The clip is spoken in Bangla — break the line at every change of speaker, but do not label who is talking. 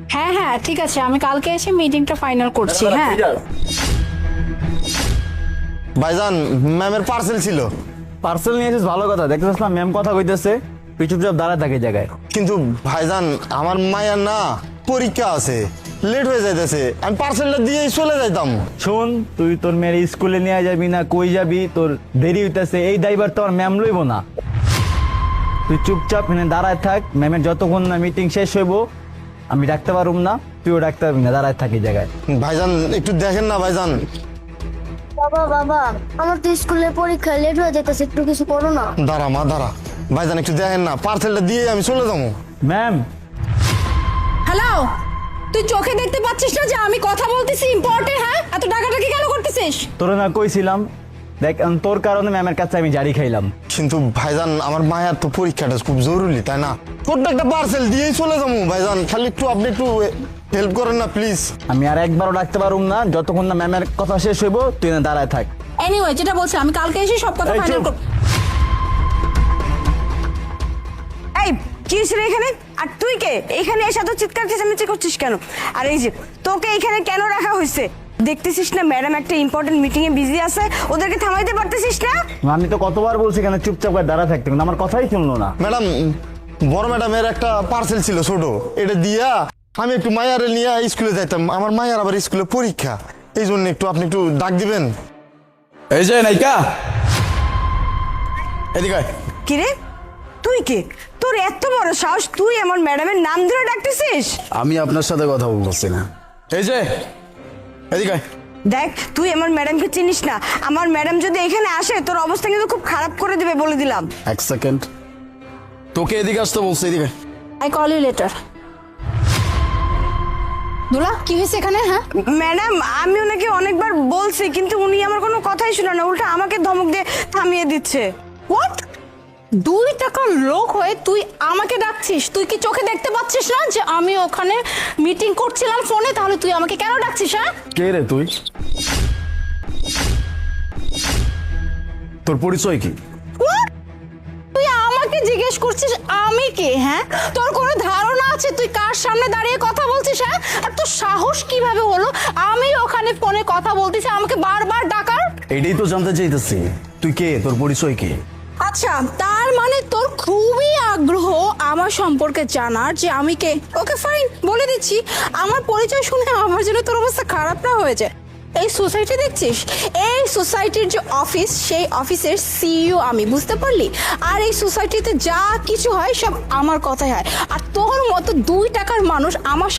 হ্যাঁ হ্যাঁ ঠিক আছে, আমি কালকে এসে মিটিংটা ফাইনাল করছি। হ্যাঁ
ভাইজান ম্যামের পার্সেল ছিল।
পার্সেল নিয়ে এসেছিস, ভালো কথা। দেখতেছিস না ম্যাম কথা কইতেছে, তুই চুপচাপ দাঁড়ায় থাকে জায়গায়।
কিন্তু ভাইজান আমার মায়ের না পরীক্ষা আছে, লেট হয়ে যাইতেছে, আমি পার্সেলটা দিয়েই চলে যাইতাম।
শোন, তুই তোর মেয়ের স্কুলে নিয়ে যাবি না কই যাবি, তোর দেরি হইতেছে, এই দায়ভার তো আর ম্যাম লইব না। তুই চুপচাপ এখানে দাঁড়ায় থাক, ম্যামের যতক্ষণ না মিটিং শেষ হইব আমি ডাকতে পারুম না, তুইও ডাকতে পারবি না, দাঁড়ায় থাকি জায়গায়।
ভাইজান একটু দেখেন না ভাইজান।
বাবা বাবা, আমার তো স্কুলে পরীক্ষা লেট হয়ে যেতেছে, একটু কিছু করো না।
দাঁড়া মা দাঁড়া, ভাইজান একটু দেখেন না, পার্সেলটা দিয়ে আমি চলে যাবো।
ম্যাম,
হ্যালো, তুই চোখে দেখতে পাচ্ছিস না যে আমি কথা বলতেছি ইম্পর্টেন্ট? হ্যাঁ, এত টাকাটাকি কেন করতেছিস?
তোর না কইছিলাম, দেখ তোর কারণে ম্যামের কাছে আমি জারি খাইলাম।
কিন্তু ভাইজান আমার মায়ের তো পরীক্ষাটা খুব জরুরি, তাই না? প্রত্যেকটা পার্সেল দিয়েই চলে যাবো ভাইজান, খালি একটু আপনি একটু হেল্প করেন না প্লিজ।
আমি আর একবারও ডাকতে পারুম না, যতক্ষণ না ম্যামের কথা শেষ হইব তুই না দাঁড়ায় থাক।
এনিওয়ে, যেটা বলছি আমি কালকে এসে সব কথা
এই
ফাইনাল
চুপ।
করব।
এই কি হয়েছে রে এখানে? আর তুই কে? এখানে এসে তো চিৎকার চেঁচামেচি করছিস কেন? আর এই যে তোকে এখানে কেন রাখা হয়েছে? দেখতেছিস না ম্যাডাম একটা ইম্পর্টেন্ট মিটিং এ বিজি আছে, ওদেরকে থামাইতে পারতেছিস না?
আমি তো কতবার বলছি এখানে চুপচাপ করে দাঁড়া থাকতে, কিন্তু আমার কথাই শুনলো না।
ম্যাডাম, বড় ম্যাডামের একটা পার্সেল ছিল ছোট, এটা দিয়া আমি একটু মায়ারে নিয়ে স্কুলে যাইতাম, আমার মায়ার আবার স্কুলে পরীক্ষা, এই জন্য একটু আপনি একটু ডাক দিবেন।
এই যে নায়িকা, এদিকে আয়।
কি রে, তুই কে? তোর এত বড় সাহস, তুই আমার ম্যাডামের নাম ধরে ডাকতেছিস?
আমি আপনার সাথে কথা বলতেছি না। এই যে এদিকে আয়।
দেখ, তুই আমার ম্যাডামকে চিনিস না, আমার ম্যাডাম যদি এখানে আসে তোর অবস্থা কিন্তু খুব খারাপ করে দিবে, বলে দিলাম।
এক সেকেন্ড, তোকে এদিকে আসতে বলছে, এদিকে আয়।
I call you later. দুলা, কি হয়েছে এখানে? হ্যাঁ,
ম্যাডাম, আমি ওনাকে অনেকবার বলছি কিন্তু উনি আমার কোনো কথাই শুনে না, উল্টা আমাকে ধমক দিয়ে থামিয়ে দিচ্ছে।
হোয়াট? 2 টাকার লোক হয়ে তুই আমাকে ডাকছিস? তুই কি চোখে দেখতে পাচ্ছিস না যে আমি ওখানে মিটিং করছিলাম ফোনে? তাহলে তুই আমাকে কেন ডাকছিস? হ্যাঁ,
কে রে তুই? তোর পরিচয় কি?
What? তুই আমাকে জিজ্ঞেস করছিস আমি কে? হ্যাঁ, তোর কোনো ধারণা আছে তুই কার সামনে দাঁড়িয়ে কথা বলছিস? হ্যাঁ, আর তোর সাহস কিভাবে হলো আমি ওখানে ফোনে কথা বলতেছি আমাকে বারবার ডাকার?
এটাই তো জানতে চাইতেছি, তুই কে, তোর পরিচয় কি?
আচ্ছা, তার মানে তোর খুবই আগ্রহ আমার সম্পর্কে জানার যে আমি কে। ওকে ফাইন, বলে দিচ্ছি। আমার পরিচয় শুনে আমার জন্য তোর অবস্থা খারাপ না হয়ে যায়। এই সোসাইটি দেখছিস, এই সোসাইটির যে অফিস, সেই অফিসের সিইও আমি, বুঝতে পারলি? আর এই সোসাইটিতে যা কিছু হয় সব আমার কথাই হয়। আর তোর মতো 2 টাকার মানুষ আমার